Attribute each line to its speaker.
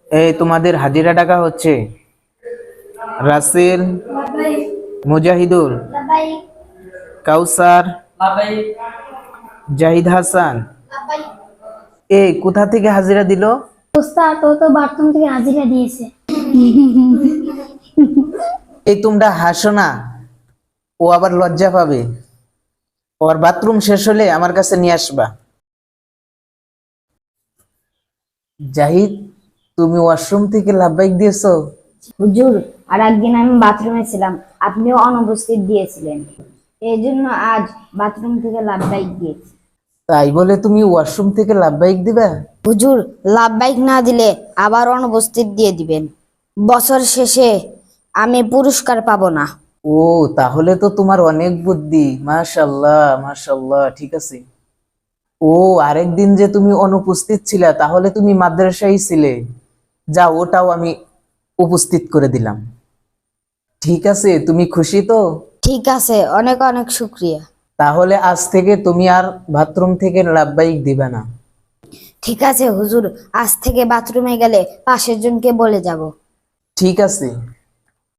Speaker 1: এই তোমাদের হাজিরা টাকা হচ্ছে রাসেল, মুজাহিদুল, কাউসার, জাহিদ হাসান। এই কোথা থেকে হাজিরা দিল?
Speaker 2: ওস্তাদ ও তো বাথরুম থেকে হাজিরা দিয়েছে।
Speaker 1: এই তোমরা হাসো না, ও আবার লজ্জা পাবে। ওর বাথরুম শেষ হলে আমার কাছে নিয়ে আসবা। জাহিদ, তুমি ওয়াশরুম থেকে লাফবাইক দিয়েছো?
Speaker 3: হুজুর, আর একদিন আমি বাথরুমে ছিলাম, আপনিও অনুপস্থিত দিয়েছিলেন, এই জন্য আজ বাথরুম থেকে লাভবাইক দিয়েছি।
Speaker 1: তাই বলে তুমি ওয়াশরুম থেকে লাফবাইক দিবা?
Speaker 3: হুজুর, লাভবাইক না দিলে আবার অনুপস্থিত দিয়ে দিবেন, বছর শেষে আমি পুরস্কার পাবো না।
Speaker 1: ও, তাহলে তো তোমার অনেক বুদ্ধি। মাশাআল্লাহ মাশাআল্লাহ, ঠিক আছে। ও, আরেকদিন যে তুমি অনুপস্থিত ছিলা, তাহলে তুমি মাদ্রাসায় ছিলে। যা, ওটাও আমি উপস্থিত করে দিলাম। ঠিক আছে, তুমি খুশি তো?
Speaker 3: ঠিক আছে, অনেক অনেক শুক্রিয়া।
Speaker 1: তাহলে আজ থেকে তুমি আর বাথরুম থেকে লাফবাইক দিবে না।
Speaker 3: ঠিক আছে হুজুর, আজ থেকে বাথরুমে গেলে পাশের জনকে বলে যাব।
Speaker 1: ঠিক আছে।